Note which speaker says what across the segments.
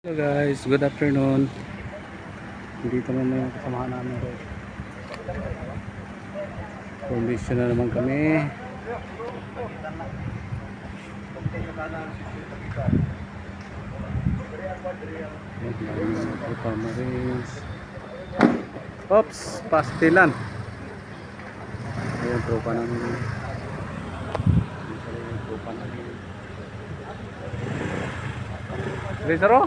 Speaker 1: Hello guys, good afternoon. Dito naman yung kasamahan namin guys. Formation na naman kami. Marines. Oops, pastilan. Ayan, tropa namin. Tropa namin. Rizaro?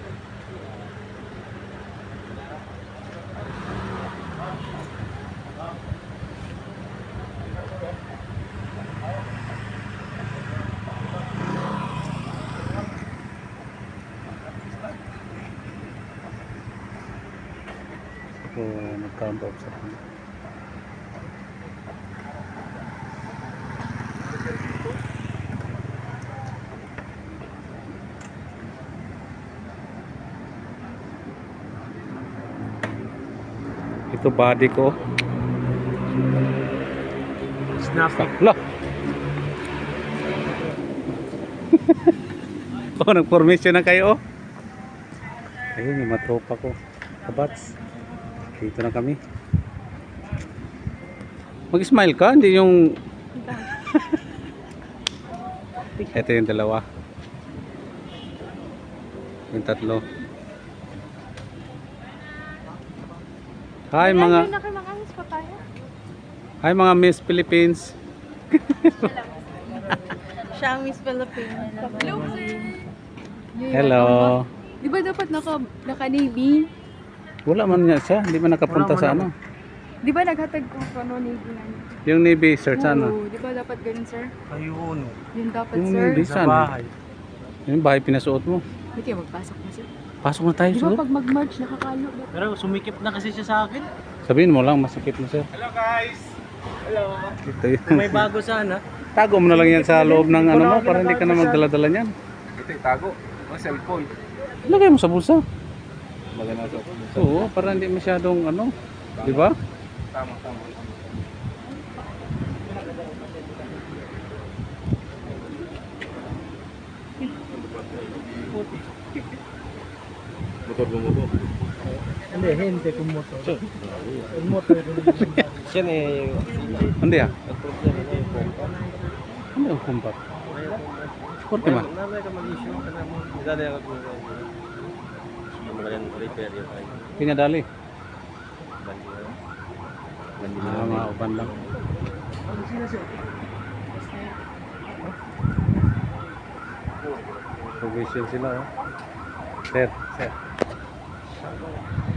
Speaker 1: So, nag-camp out sa kanya. Ito body ko.
Speaker 2: Snappy.
Speaker 1: Lah. Oh, nag-formation na kayo. Ayun, yung mga tropa ko. Kabats. Dito na kami. Mag-smile ka, hindi yung... Ito yung dalawa. Yung tatlo. Hi mga... Hi mga Miss Philippines.
Speaker 3: Siya ang Miss Philippines.
Speaker 1: Hello.
Speaker 3: Di ba dapat naka-Navy?
Speaker 1: Wala man niya siya, hindi man nakapunta sa ano.
Speaker 3: Di ba naghatag ko ano Navy nga niya?
Speaker 1: Yung Navy search ano.
Speaker 3: Oo, di ba dapat ganun, sir?
Speaker 2: Ayun.
Speaker 3: Yun dapat,
Speaker 1: Yung
Speaker 3: sir.
Speaker 1: Navy
Speaker 2: Sa
Speaker 1: saan?
Speaker 2: bahay.
Speaker 1: Yung bahay pinasuot mo.
Speaker 3: Hindi kayo magpasok na, sir.
Speaker 1: Pasok na tayo
Speaker 3: Di ba
Speaker 1: siguro.
Speaker 3: pag mag-march, nakakalo ba?
Speaker 2: Pero sumikip na kasi siya sa akin.
Speaker 1: Sabihin mo lang, masakit na siya.
Speaker 2: Hello guys! Hello!
Speaker 1: Ito yun.
Speaker 2: May bago sana.
Speaker 1: Tago mo na lang yan sa loob ng ano mo para hindi ka na magdala-dala niyan.
Speaker 2: Ito yung tago. Ang cellphone.
Speaker 1: Lagay mo sa bulsa.
Speaker 2: Maganda sa
Speaker 1: Oo, para hindi masyadong ano. Di ba?
Speaker 2: Tama, tama. Motor mo mo.
Speaker 4: Hindi, hindi kung motor. Yung motor
Speaker 2: Yan eh.
Speaker 1: Hindi ah.
Speaker 2: Ang problema na yung pompa.
Speaker 1: Ano yung kumpat? Korte man.
Speaker 2: Namay ka mag-issue ka na mo. Idali ako kung magaling repair yun tayo.
Speaker 1: Pinadali.
Speaker 2: Bandi na.
Speaker 1: Ah, mga uban lang. Provision sila oh. Sir, sir.